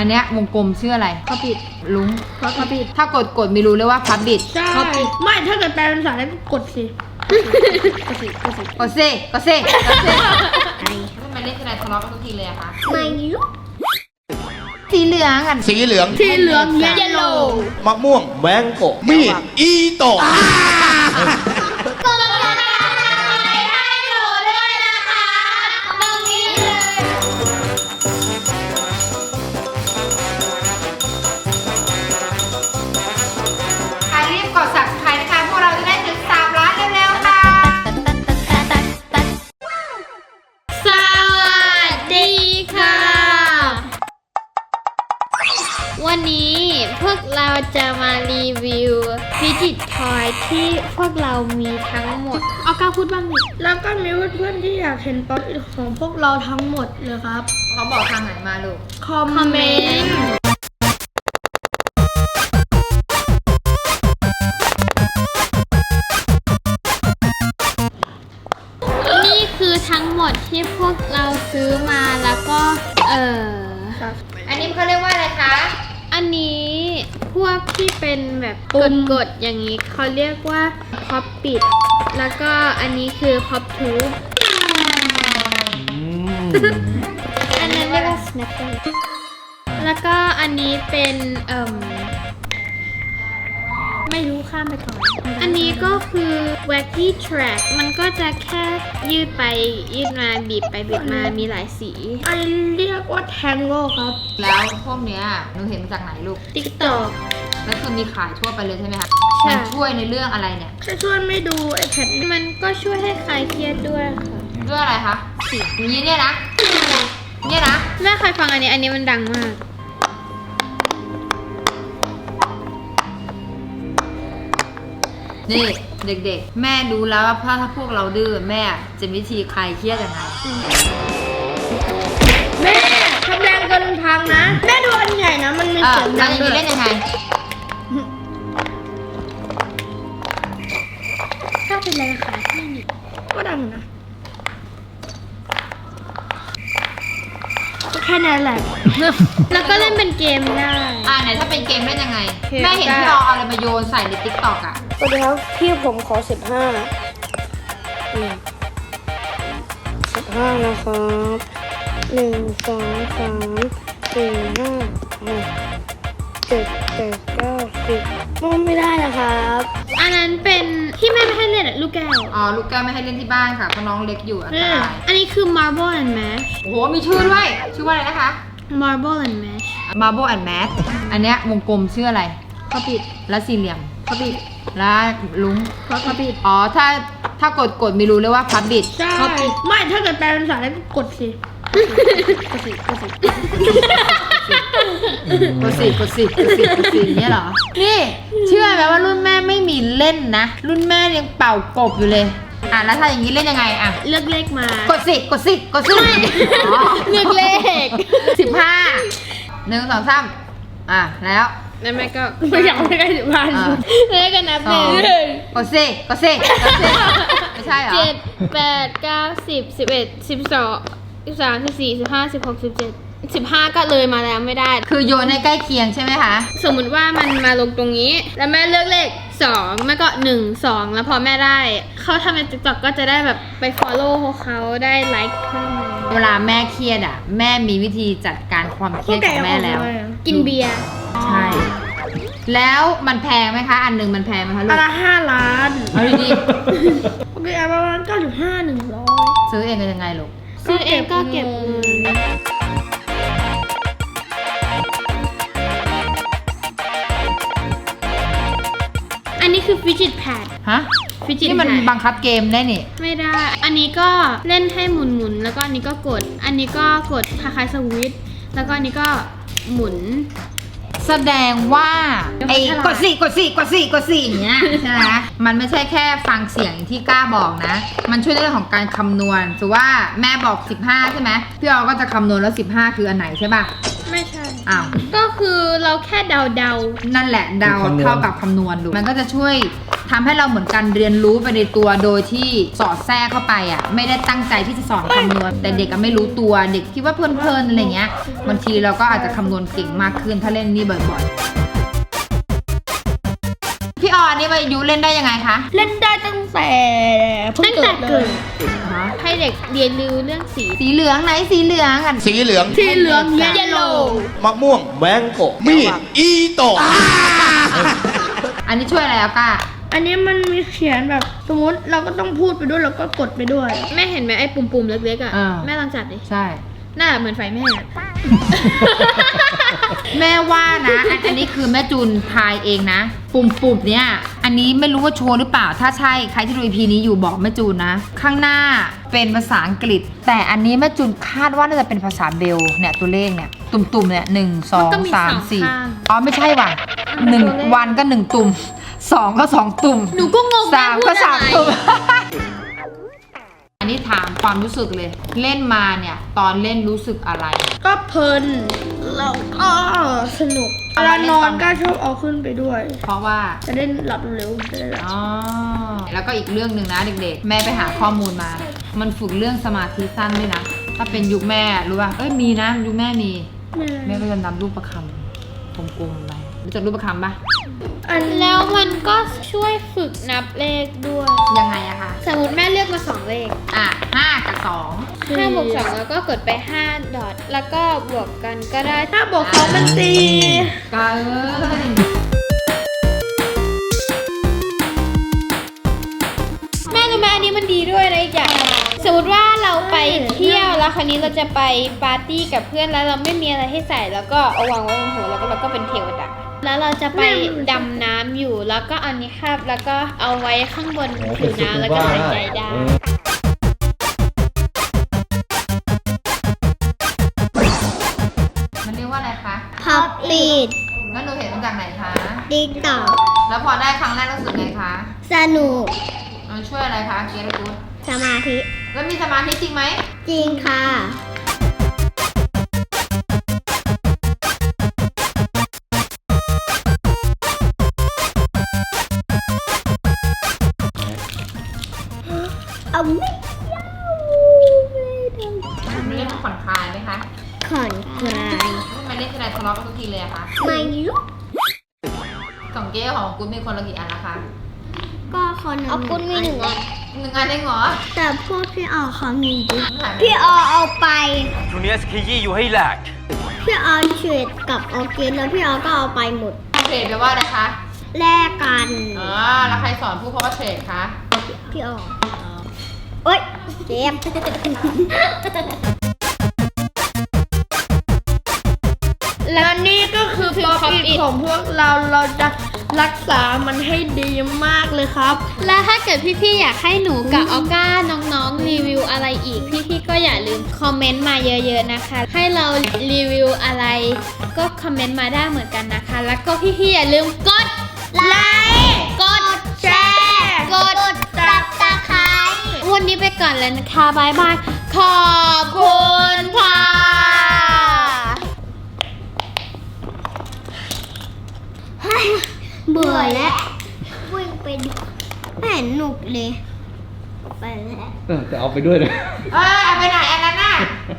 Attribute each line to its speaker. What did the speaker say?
Speaker 1: อันเนี้ยวงกลมชื่ออะไร
Speaker 2: พับบิด
Speaker 1: ลุง
Speaker 2: พับบิด
Speaker 1: ถ้ากดไม่รู้เลยว่าพับบิด
Speaker 2: ใช่ไม่ถ้าเกิดแปลเป็นภาษาแล้วกดสิกดสิ
Speaker 1: ทำไมเล่นทีไรทะเลาะกันทุกทีเลยอะคะ
Speaker 2: ไม่รู้
Speaker 1: สีเหลืองกัน
Speaker 3: สีเหลือง
Speaker 2: เยลโล่
Speaker 3: มะม่วงแมงโกมีดอีโต
Speaker 1: กด subscribe นะคะพวกเราจะได้ถึง3 ล้านเร็วๆค่ะ
Speaker 2: สวัสดีค่ะวันนี้พวกเราจะมารีวิวฟิจิตทอยที่พวกเรามีทั้งหมดเอาก้าวพูดบ้างดิแล้วก็มีเพื่อนๆที่อยากเห็นป๊อปของพวกเราทั้งหมดเลยครับ
Speaker 1: เขาบอกทางไหนมาลูก
Speaker 2: คอมเมนต์ทั้งหมดที่พวกเราซื้อมาแล้วก็
Speaker 1: อันนี้เขาเรียกว่าอะไรคะ
Speaker 2: อันนี้พวกที่เป็นแบบกดอย่างนี้เขาเรียกว่าพ็อปปิดแล้วก็อันนี้คือพ็อปทูบอันนั้นเรียกว่าสแนปเปอร์แล้วก็อันนี้เป็นไม่รู้ข้ามไปก่อนอันนี้ก็คือ wacky track มันก็จะแค่ยืดไปยืดมาบีบไปบีบมามีหลายสีอันเรียกว่า tango ครับ
Speaker 1: แล้วพวกเนี้ยหนูเห็นมาจากไหนลูก
Speaker 2: TikTok
Speaker 1: แล้วคือมีขายทั่วไปเลยใช่ไหมคะ
Speaker 2: ใช่
Speaker 1: มันช่วยในเรื่องอะไรเนี่ย
Speaker 2: ช่วยไม่ดูไอแพดมันก็ช่วยให้คลายเครียดด้วยค่ะ
Speaker 1: ด้วยอะไรคะเสียงอย่างนี้เนี่ยนะ
Speaker 2: แม่เคยฟังอันนี้มันดังมาก
Speaker 1: นี่เด็กๆแม่ดูแล้วว่าถ้าพวกเราดื้อแม่จะวิธีคลายเครียดยังไง
Speaker 2: แม่ทำแรงเกินพังนะแม่ดูอันใหญ่นะมันมีเสียงดังด้วย
Speaker 1: เล่นยังไง
Speaker 2: ถ้าเป็นแรงขาที่นี่ก็ดังนะแค่นั้นแหละแล้วก็เล่นเป็นเกมได้
Speaker 1: ไหนถ้าเป็นเกมเล่นยังไงแม่เห็นพี่เราเอาอะไรมาโยนใส่ใน TikTok อ่ะ
Speaker 2: สวัสดีครับพี่ผมขอ15นะครับ1 2 3 4 5 6 7 8 9 10ไม่ได้นะครับอันนั้นเป็นที่แม่ไม่ให้เล่นลูกแก้ว
Speaker 1: ลูกแก้วไม่ให้เล่นที่บ้านค่ะเพราะน้องเล็กอยู่อันตราย
Speaker 2: อันนี้คือ Marble and Mash
Speaker 1: โอ้โหมีชื่อด้วยชื่อว่าอะไรนะคะ
Speaker 2: Marble and Mash
Speaker 1: Marble and Mash อันเนี้ยวงกลมชื่ออะไร
Speaker 2: พับบิด
Speaker 1: แล้วสี่เหลี่ยม
Speaker 2: พับบิด
Speaker 1: แล้วลุง
Speaker 2: พับบิด
Speaker 1: ถ้ากดไม่รู้เลยว่าพับบิด
Speaker 2: ใช่ไม่ถ้าเกิดแปลเป็นภาษาแล้วกดสิ
Speaker 1: เนี่ยเหรอนี่เชื่อไหมว่ารุ่นแม่ไม่มีเล่นนะรุ่นแม่ยังเป่ากบอยู่เลยแล้วถ้าอย่างนี้เล่นยังไง
Speaker 2: เลือกเลขมาก
Speaker 1: ดสิ
Speaker 2: เลือกเลข
Speaker 1: 15 1 2 3แล้ว
Speaker 2: แม่ก็ไม่อยากให้ใกล้15เลขกันนับเลย
Speaker 1: กดสิไม่ใช่เหรอ
Speaker 2: 7 8 9 10 11 12 13 14 15 16 17 15ก็เลยมาแล้วไม่ได้
Speaker 1: คือโยนให้ใกล้เคียงใช่ไหมคะ
Speaker 2: สมมุติว่ามันมาลงตรงนี้แล้วแม่เลือกเลข2แม่ก็1 2แล้วพอแม่ได้เขาทำใน TikTok ก็จะได้แบบไป follow เขาได้ไลค์เพิ่ม
Speaker 1: เวลาแม่เครียดแม่มีวิธีจัดการความเครียดของแม่แล้ว
Speaker 2: กินเบียร์
Speaker 1: ใช่แล้วมันแพงไหมคะอันหนึ่งมันแพงไหมคะลูก
Speaker 2: อันละ5 ล้าน
Speaker 1: เอาดี
Speaker 2: โอเคประมาณ95 100
Speaker 1: ซื้อเองกันยังไงลูก
Speaker 2: ซื้อเองก็เก็บเงินอันนี้คือฟิจิตแพด
Speaker 1: ที่มันบังคับเกมได้นี่
Speaker 2: ไม่ได้อันนี้ก็เล่นให้หมุนแล้วก็อันนี้ก็กดอันนี้ก็กดคล้ายๆสวิตช์แล้วก็อันนี้ก็หมุน
Speaker 1: แสดงว่ากดสี่อย่างเงี้ยใช่ไหมมันไม่ใช่แค่ฟังเสียงที่กล้าบอกนะมันช่วยในเรื่องของการคำนวณถือว่าแม่บอก15ใช่ไหมพี่ออก็จะคำนวณแล้ว15คืออันไหนใช่ป่ะ
Speaker 2: ไม่ใช่
Speaker 1: อ้าว
Speaker 2: ก็คคือเราแค่เดา
Speaker 1: นั่นแหละเดา
Speaker 3: คำนวณ
Speaker 1: เท่ากับคำนวณดูมันก็จะช่วยทำให้เราเหมือนกันเรียนรู้ไปในตัวโดยที่สอดแทรกเข้าไปอ่ะไม่ได้ตั้งใจที่จะสอนคำนวณแต่เด็กก็ไม่รู้ตัวเด็กคิดว่าเพลินๆอะไรเงี้ยบางทีเราก็อาจจะคำนวณเก่งมากขึ้นถ้าเล่นนี่บ่อยๆพี่ออนนี่มายุเล่นได้ยังไงคะ
Speaker 2: ๆเล่นได้ตั้งแต่เกิดให้เด็กเรียนรู้เรื่องสี
Speaker 1: สีเหลืองไหนสีเหลืองกัน
Speaker 3: สีเหลือง
Speaker 2: สีเหลืองเยลโล่
Speaker 3: มะม่วงแวงโกะมีดอีโตะ
Speaker 1: อันนี้ช่วยอะไรอะก้า
Speaker 4: อันนี้มันมีเขียนแบบสมมติเราก็ต้องพูดไปด้วยแล้วก็กดไปด้วย
Speaker 2: แม่เห็นไหมไอ้ปุ่มๆเล็กๆอ่ะแม่ลองจับดิ
Speaker 1: ใช่
Speaker 2: หน้าเหมือนไฟแม่อะ
Speaker 1: แม่ว่านะอันนี้คือแม่จูนทายเองนะ ปุ่มเนี่ยอันนี้ไม่รู้ว่าโชว์หรือเปล่าถ้าใช่ใครที่ดู EP นี้อยู่บอกแม่จูนนะ ข้างหน้าเป็นภาษาอังกฤษ แต่อันนี้แม่จูนคาดว่าน่าจะเป็นภาษาเบลเนี่ยตัวเลขเนี่ยตุ่มๆเนี่ย1 2 3 4อ๋อไม่ใช่ว่ะ1 วันก็1 ตุ่ม2 ก็ 2 ตุ่ม
Speaker 2: หนูก็งงแม่
Speaker 1: 3
Speaker 2: พู
Speaker 1: ก็
Speaker 2: ดอะไร
Speaker 1: 3 ตุ่ม อันนี้ถามความรู้สึกเลย เล่นมาเนี่ยตอนเล่นรู้สึกอะไร
Speaker 4: ก็เพลินแล้วก็สนุกเวลานอนก็ชอบเอาขึ้นไปด้วย
Speaker 1: เพราะว่า
Speaker 4: จะได้หลับเร็วจะได้หลับ
Speaker 1: อ๋อแล้วก็อีกเรื่องหนึ่งนะเด็กๆ แม่ไปหาข้อมูลมา มันฝึกเรื่องสมาธิสั้นด้วยนะ ถ้าเป็นยุคแม่รู้ป่ะ เอ้ยมีนะยุคแม่มี แม่ก็จะนำรูปประคำกลมๆไปรู้จักรูปประคำปะ
Speaker 4: อัน
Speaker 2: แล้วมันก็ช่วยฝึกนับเลขด้วย
Speaker 1: ยังไงอะคะ
Speaker 2: สมมติแม่เลือกมา2เลข
Speaker 1: อ่ะ5 กับ
Speaker 2: 5 บวก 2 แล้วก็กดไป5 ดอทแล้วก็บวกกันก็ได้
Speaker 4: ถ้าบอกเขามันตี
Speaker 1: 2ก็เอ้ย
Speaker 2: แม่รู้ไหมอันนี้มันดีด้วยนะอีกอย่างสมมติว่าเราไปเที่ยวแล้วคราวนี้เราจะไปปาร์ตี้กับเพื่อนแล้วเราไม่มีอะไรให้ใส่แล้วก็เอาวางไว้บนหัวแล้วก็เราก็เป็นเทวดาแล้วเราจะไปดำน้ำอยู่แล้วก็เอานี้ครับแล้วก็เอาไว้ข้างบนผิวน้ำแล้วก็หายใจได้
Speaker 1: มันเรียกว่าอะไรคะ
Speaker 5: พับปีด
Speaker 1: แล้วหนูเห็นมาจากไหนคะ
Speaker 5: ติ๊กต็อก
Speaker 1: แล้วพอได้ครั้งแรกรู้สึกไงคะ
Speaker 5: สนุก
Speaker 1: มันช่วยอะไรคะเกียร์กูด
Speaker 5: สมาธิ
Speaker 1: แล้วมีสมาธิจริงไหม
Speaker 5: จริงค่ะ เอาไม่เอา
Speaker 1: มันเล่นผ่อนคลายไหมคะ
Speaker 5: ขอนกลาย
Speaker 1: ทำไมเล่นทีไรทะเลาะกันทุกทีเลยอะคะ
Speaker 5: ไม่รู้
Speaker 1: ของเก้ของกูดมีคนละกี่อันละคะ
Speaker 5: ก็คนเอาคุณมีหนึ่งอัน
Speaker 1: 1 อันเองเหรอ
Speaker 5: แต่พวกพี่ออเขามีดิ
Speaker 1: หายไป
Speaker 5: พี่ออเอาไป
Speaker 6: ช่วงนี้ขยี้อยู่ให้แหลก
Speaker 5: พี่ออเฉดกับออร์เกนแล้วพี่ออก็เอาไปหมด
Speaker 1: เทรดแปลว่าอะไรคะ
Speaker 5: แลกกัน
Speaker 1: อ๋อ แล้วใครสอนพูดเพราะว่าเทรดคะ
Speaker 5: พี่ออโอ๊ยเจ็บ
Speaker 4: และนี่ก็คือป๊อปอิทของพวกเราจะรักษามันให้ดีมากเลยครับ
Speaker 2: และถ้าเกิดพี่ๆอยากให้หนูกับออก้าน้องๆรีวิวอะไรอีกพี่ๆก็อย่าลืมคอมเมนต์มาเยอะๆนะคะ ให้เรารีวิวอะไรก็คอมเมนต์มาได้เหมือนกันนะคะ แล้วก็พี่ๆอย่าลืมกดไลค์กดแชร์กด
Speaker 5: ตับตะไคร้
Speaker 2: วันนี้ไปก่อนแล้วนะคะบายบายขอบคุณค่ะ
Speaker 5: เบื่อแล้ววิ่งไปดูไม่เห็นหนุกเลย ไปแล้ว
Speaker 3: จะเอาไปด้วยเลย
Speaker 1: เอ้ยเอาไปไหนอันนั้นน่ะ